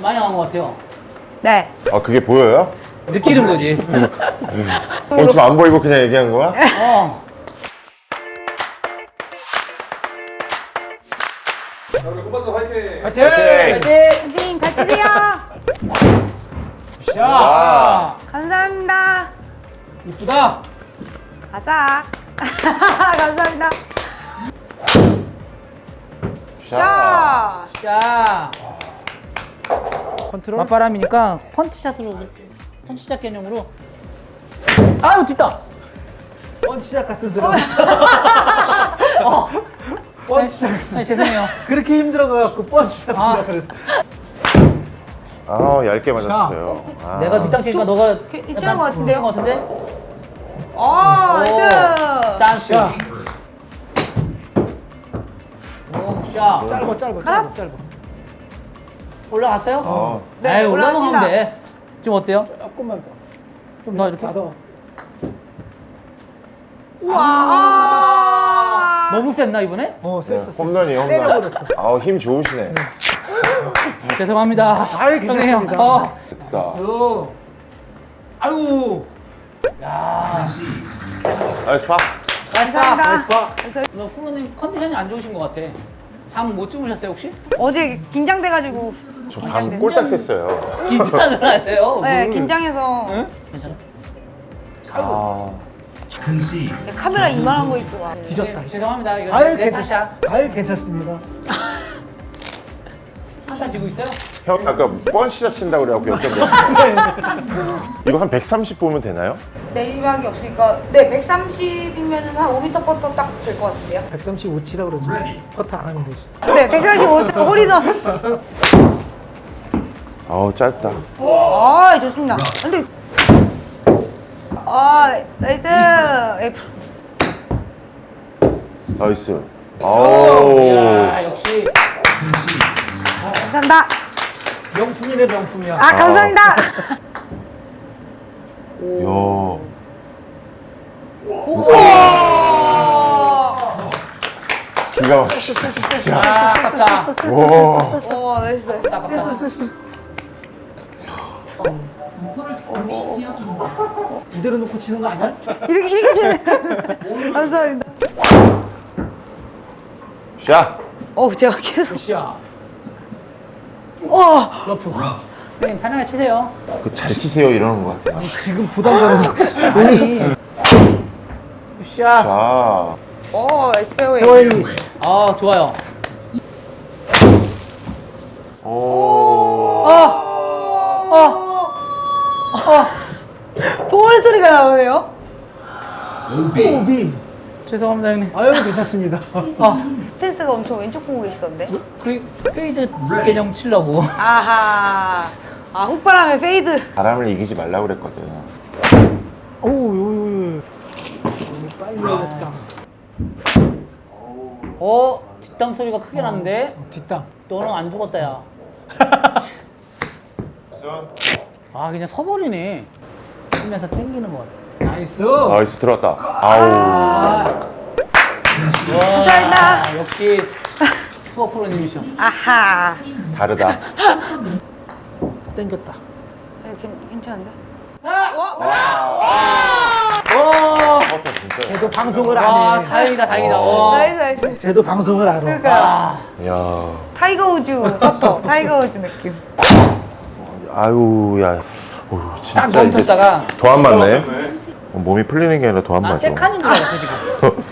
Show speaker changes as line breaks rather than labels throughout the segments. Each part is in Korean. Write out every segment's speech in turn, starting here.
많이 나온 것 같아요.
네.
아, 그게 보여요?
느끼는 거지.
지금 안 보이고 그냥 얘기한 거야?
어.
자, 우리 후반전 화이팅!
화이팅!
화이팅!
파이팅 같이 세요.
샷!
감사합니다.
이쁘다.
아싸. 감사합니다.
자.
샷.
샷!
컨트롤.
맞바람이니까 펀치샷으로, 펀치샷 개념으로. 아유, 뒷다!
펀치작 같은 소리.
펀치샷. 아니, 죄송해요.
그렇게 힘들어가지고 펀치작
아.
한다 그래.
아, 얇게 맞았어요. 아.
내가 뒷땅 치니까 너가.
괜찮은 것 같은데요?
것 같은데?
오, 나이스.
짠스.
자.
오, 샷.
짧아.
가라.
짧아.
올라갔어요?
어.
네,
에이, 올라가면
올라갔습니다.
돼. 지금 어때요?
조금만 더.
좀 더 이렇게?
더.
우와.
너무 셌나, 이번에?
셌어.
홈런이 홈런.
때려버렸어.
아, 힘 좋으시네.
죄송합니다.
아유,
형님,
괜찮습니다.
됐다.
아이고.
야.
나이스 파.
감사합니다.
너 프로님 컨디션이 안 좋으신 것 같아. 잠 못 주무셨어요, 혹시?
어제 긴장돼가지고.
저 방 꼴딱 샜어요.
긴장을 하세요?
네, 긴장해서
응? 괜찮아?
아.
카메라 이만한 거 있고 와.
뒤졌다.
네, 죄송합니다. 이거
아유,
내
괜찮.
탓이야.
아유, 괜찮습니다.
한타 지고 있어요?
형 아까 뻔시작 친다고 그래갖고 여쭤봤어요. 이거 한 130 보면 되나요?
내리막이 없으니까 네 130이면은 한 5m 퍼터 딱 될 것 같은데요?
135치라고 그러지. 퍼트 안 하면 되지.
네 135점 홀이던.
아우, 짧다.
아 좋습니다. 근데 나이스.
나이스. 아우.
야, 역시.
감사합니다.
명품이네, 명품이야.
아 감사합니다.
야. 기가 막히다, 진짜.
아, 아깝다.
와.
오 나이스.
쓰쓰쓰. 이대로 놓고 치는 거 아니야?
이렇게 치네. 감사합니다.
샷.
제가 계속.
샷.
러프.
형님, 편하게 치세요.
잘 치세요 이러는 것 같아요.
지금 부담 가는
아니. 샷.
자.
나이스 페어웨이.
페어웨이.
아, 좋아요.
오.
볼 소리가 나오네요.
오비.
죄송합니다, 형님.
아유, 괜찮습니다.
스탠스가 엄청 왼쪽 보고 계시던데.
그리고 페이드 개념 치려고.
아하. 훅바람에 페이드.
바람을 이기지 말라고 그랬거든.
오, 요. 너무 빨리 올렸다.
뒷땅 소리가 크게 났는데?
뒷땅.
너는 안 죽었다, 야. 아, 그냥 서버리네. 치면서 땡기는 것 같아.
나이스.
나이스 들어왔다. 아우.
감사합니다.
역시 투어 프로님이셔.
아하.
다르다.
땡겼다.
괜찮은데?
퍼터 진짜.
쟤도 방송을
와,
안 해.
다행이다, 다행이다. 와.
나이스.
쟤도 방송을 알아.
그러니까
야.
타이거 우즈 퍼터. 타이거 우즈 느낌.
아유, 야. 어휴, 진짜
딱 멈췄다가.
더 안 맞네. 몸이 풀리는 게 아니라 더 안
난
맞아.
세칸인 줄 알았어, 지금.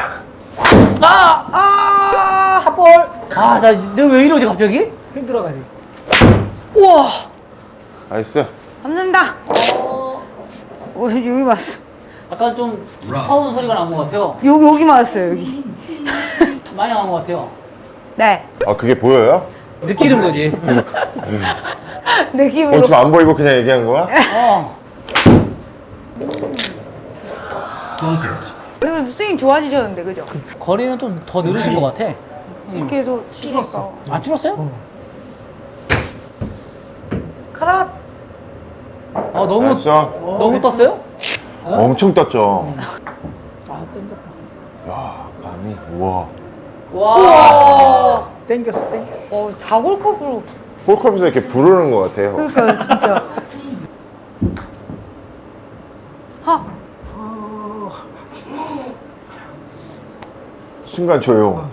핫볼. 너 왜 이러지, 갑자기?
힘들어가지고.
우와.
나이스.
감사합니다. 여기 맞았어.
아까 좀 무서운 소리가 난 것 같아요.
여기 맞았어요, 여기.
많이 나온 것 같아요.
네.
아, 그게 보여요?
느끼는 거지.
느낌으로.
지금 안 보이고 그냥 얘기한 거야?
근데 스윙 좋아지셨는데, 그죠?
거리는 좀 더 늘으신 것 같아.
이렇게 해서 치니까.
아, 줄었어요?
카라.
너무 떴어요?
엄청 떴죠.
땡겼다.
야, 감이. 우와.
와.
땡겼어.
4골컵으로.
홀컵에서 이렇게 부르는 것 같아요.
그러니까요, 진짜. 하.
순간 조용.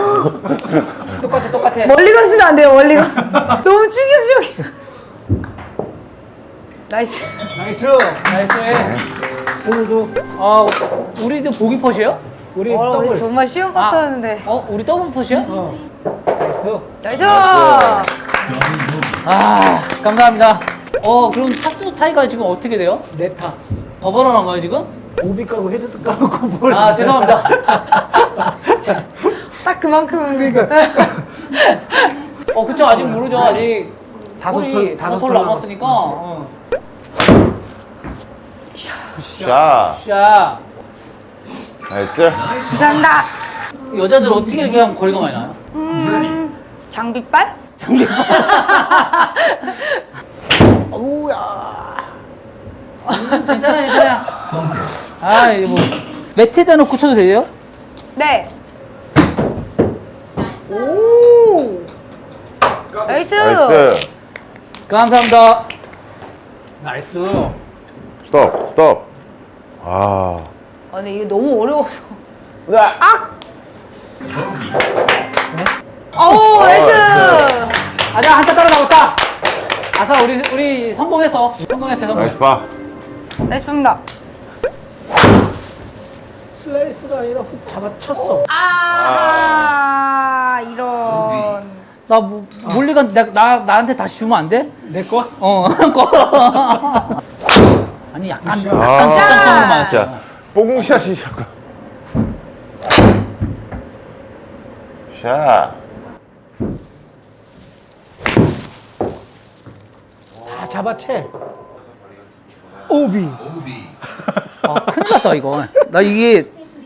똑같아.
멀리 가시면 안 돼요, 멀리 가. 너무 충격적이야. 나이스.
나이스.
나이스.
승우도
우리도 보기 퍼시에요?
우리 더블.
정말 쉬운 것도 하는데.
우리 더블 퍼시야?
나이스.
나이스.
감사합니다. 그럼 타수 차이가 지금 어떻게 돼요?
네타.
더 벌어난 거예요, 지금?
오비 까고 헤드도 까놓고 뭘.
죄송합니다.
딱 그만큼은.
그러니까.
그쵸, 아직 모르죠. 아직
다섯
다섯
톨
톨 남았으니까.
자,
샤.
나이스.
감사합니다.
여자들 어떻게 이렇게 하면 거리가 많이 나요?
장비빨?
어우야.
괜찮아요. 이거 뭐 매트에다 놓고 쳐도 돼요?
네. 오. 나이스.
나이스.
감사합니다. 나이스.
스톱.
근데 이게 너무 어려워서.
네.
오, 나이스.
한타 따라 나왔다. 아싸, 우리 성공했어.
나이스 파.
나이스 팝니다.
슬라이스가 아니라 훅 잡아쳤어.
이런.
몰리가 나한테 다시 주면 안 돼?
내 거?
아니 약간
아.
직관성으로 맞았어.
자, 뽕샷이 잠깐. 샷.
다 잡아채. 오비.
큰일 났다 이거. 나 이게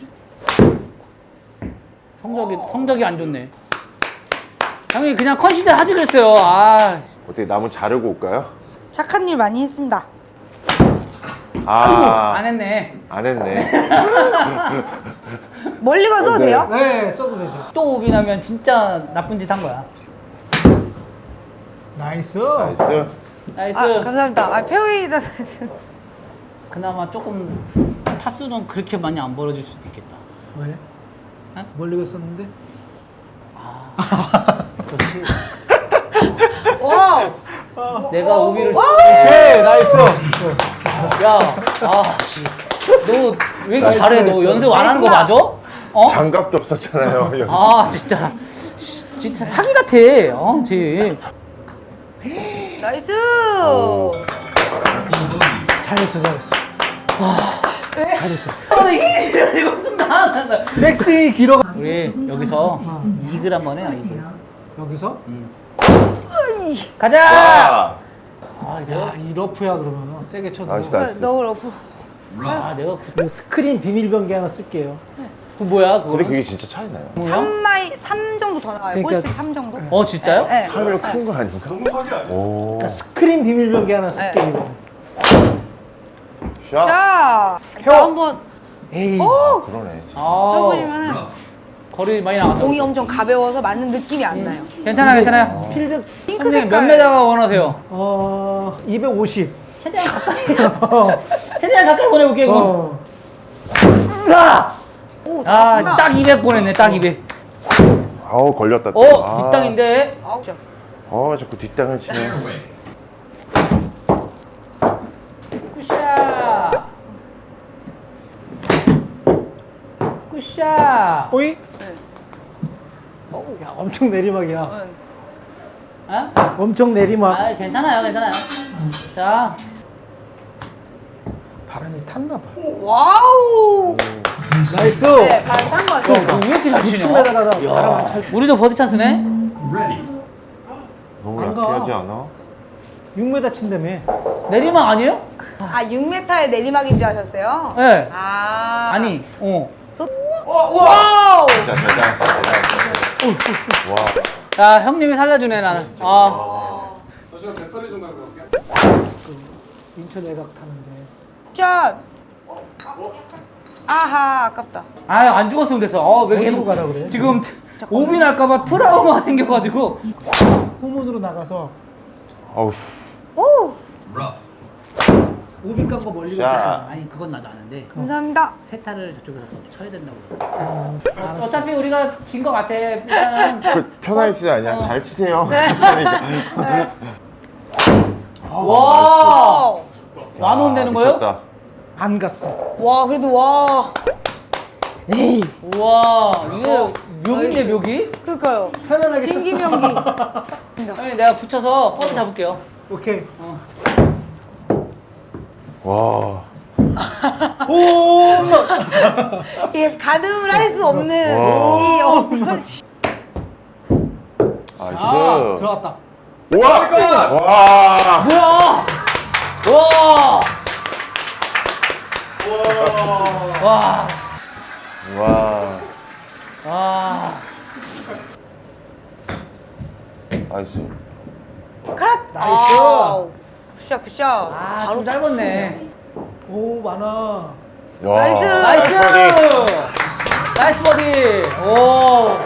성적이 안 좋네. 형이 그냥 컨시드 하지 그랬어요.
어떻게 나무 자르고 올까요?
착한 일 많이 했습니다.
안 했네.
안 했네.
멀리 가서 돼요?
네, 써도 되죠.
또 오비 나면 진짜 나쁜 짓 한 거야.
나이스.
나이스.
나이스.
감사합니다. 페어웨이다 나이스.
그나마 조금 타수는 그렇게 많이 안 벌어질 수도 있겠다.
왜?
어?
멀리 갔었는데?
그렇지.
와.
내가 오비를.
오케이, 나이스.
야, 씨. 너 왜 이렇게
나이스,
잘해? 너
나이스.
연습 안 하는 거 맞아?
장갑도 없었잖아요.
진짜. 진짜 사기 같아. 쟤.
나이스.
잘했어. 잘했어.
이게 지금 순간.
백스윙이 길어.
우리 여기서 이글 한번 해요. 이글.
여기서?
가자.
자,
야, 이 러프야 그러면 세게 쳐도.
나이스, 나이스.
너무 러프.
내가
그 스크린 비밀 변기 하나 쓸게요.
그 뭐야? 그거?
근데 그게 진짜 차이 나요.
3 정도 더 나와요.
그러니까-
볼스피드 3 정도?
진짜요?
네.
하면 큰 거 아닌가?
너무 사기 아니야?
오.
그러니까 스크린 비밀 변기 하나 쓸게요. 이거.
샷.
자,
태워.
나 한번
에이.
그러네.
쳐보시면은
거리 많이 나갔다.
공이 엄청 가벼워서 맞는 느낌이 안 나요.
괜찮아요.
필드
핑크
선생님 몇
색깔.
메다가 원하세요?
250.
최대한 가까이 보내볼게요. 그럼.
오, 잘했습니다.
딱 200 보냈네. 딱 200.
아우 걸렸다. 또.
뒷땅인데.
아우, 저.
자꾸 뒷땅을 치네.
굿샷.
오이?
네.
야, 엄청 내리막이야.
응.
엄청 내리막.
괜찮아요. 자,
바람이 탔나 봐.
와우.
나이스.
네, 반탄 거 같아요.
왜 이렇게 잘 치냐?
60m 가다 바람 안 탈.
우리도 버디 찬스네.
너무
안 가.
약해하지 않아?
6m 친다며.
내리막 아니에요?
6m의 내리막인 줄 아셨어요?
네.
아니.
자,
와우.
와.
자, 형님이 살려주네 나는.
잠시만 배터리 좀 갈고 올게요.
인천 외곽 타는데.
샷. 아하, 아깝다.
안 죽었으면 됐어. 왜
어디로
계속
가라 그래?
지금 오비 날까봐 트라우마 생겨가지고.
후문으로 나가서
어우.
오!
오비 깐 거 멀리
자.
갔었잖아.
아니 그건 나도 아는데
감사합니다.
세타를 저쪽에서 더 쳐야 된다고. 어차피 우리가 진 것 같아. 일단은
그 편하게 치지 아니야. 잘 치세요.
네.
와
와,
만원 되는 거예요?
미쳤다.
안 갔어.
와 그래도 와.
에이.
우와 이게 묘기인데 묘기?
그러니까요.
편안하게 쳤어.
진기명기.
형님 내가 붙여서 뻗어 잡을게요.
오케이.
와.
홈런.
이게 가늠을 할 수 없는
와.
이 어머니.
나이스.
아,
들어갔다.
우와. 와.
뭐야? 와. 와.
와.
와.
나이스.
크랏.
나이스.
아우. 굿샷 굿샷.
아, 좀 짧았네.
오 많아.
야.
나이스.
나이스. 나이스 버디. 오.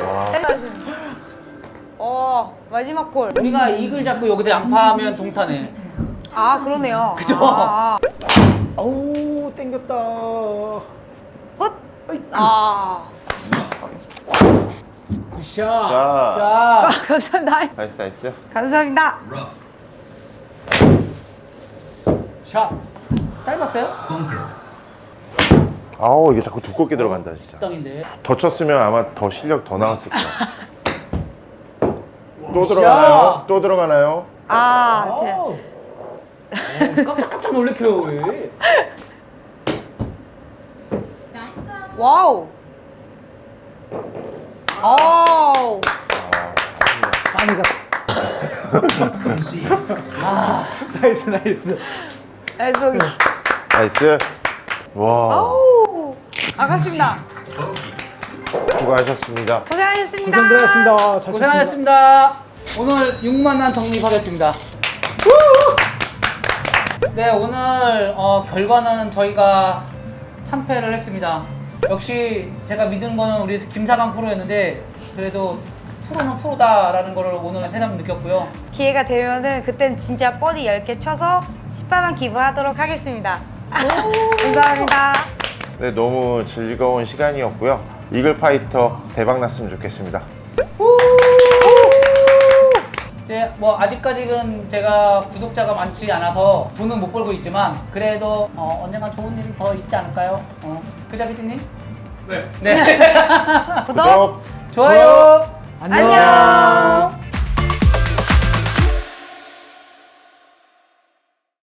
마지막 골.
우리가 이글 잡고 여기서 양파하면 동타네.
아 그러네요.
그죠?
아우 땡겼다.
헛. 아.
굿샷.
자.
자,
감사합니다.
나이스 나이스.
감사합니다.
샷.
짧았어요?
아우 이게 자꾸 두껍게 들어간다 진짜.
땅인데.
더 쳤으면 아마 더 실력 더 나왔을 거야. 또 들어가나요? 또 들어가나요?
아, 제.
아우.
깜짝깜짝 놀래켜요 왜?
와우. 아우.
많이 갔다. 나이스 나이스.
나이스 보기.
나이스. 와.
아우. 아깝습니다.
수고하셨습니다.
고생하셨습니다.
고생 들어갔습니다. 잘 쳤습니다.
고생하셨습니다. 오늘 6만원 적립하겠습니다. 네, 오늘 결과는 저희가 참패를 했습니다. 역시 제가 믿은 거는 우리 김사강 프로였는데 그래도 프로는 프로다라는 거를 오늘 새삼 느꼈고요.
기회가 되면은 그땐 진짜 버디 10개 쳐서 10만원 기부하도록 하겠습니다. 감사합니다.
네, 너무 즐거운 시간이었고요. 이글 파이터 대박 났으면 좋겠습니다.
이제 뭐 아직까지는 제가 구독자가 많지 않아서 돈은 못 벌고 있지만 그래도 언젠가 좋은 일이 더 있지 않을까요? 그죠, 피디님?
네.
네.
구독.
좋아요.
안녕.